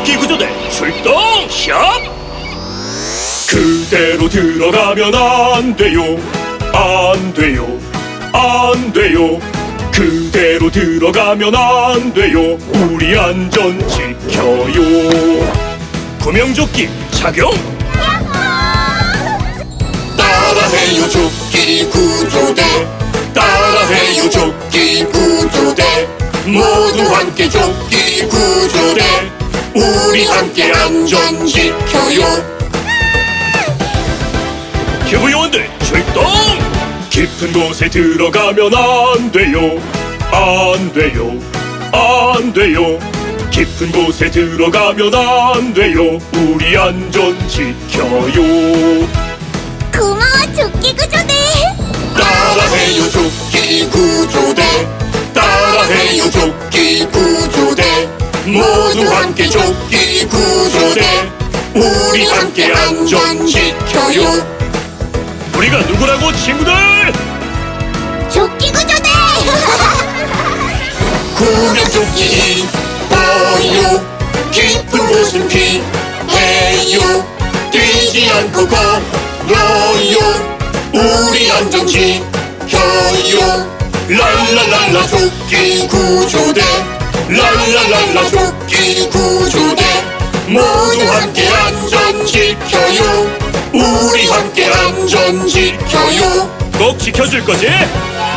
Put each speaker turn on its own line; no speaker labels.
조끼구조대 출동 샵. 그대로 들어가면 안 돼요, 안 돼요, 안 돼요. 그대로 들어가면 안 돼요. 우리 안전 지켜요. 구명조끼 착용. 따라해요 조끼구조대, 따라해요 조끼구조대. 모두 함께 조끼구조대. 우리 함께 안전 지켜요. 기부요원들 출동! 깊은 곳에 들어가면 안 돼요, 안 돼요, 안 돼요. 깊은 곳에 들어가면 안 돼요. 우리 안전 지켜요.
고마워 조끼구조대.
따라해요 조끼구조대, 따라해요 조끼구조대. 모두 함께 조끼구조대. 우리 함께 안전 지켜요. 우리가 누구라고 친구들?
조끼구조대.
구명조끼 보요. 깊은 곳은 피해요. 뛰지 않고 걸어요. 우리 안전 지켜요. 랄랄랄라 조끼구조대, 랄랄랄라 조끼구조대. 모두 함께 안전 지켜요. 우리 함께 안전 지켜요. 꼭 지켜줄 거지?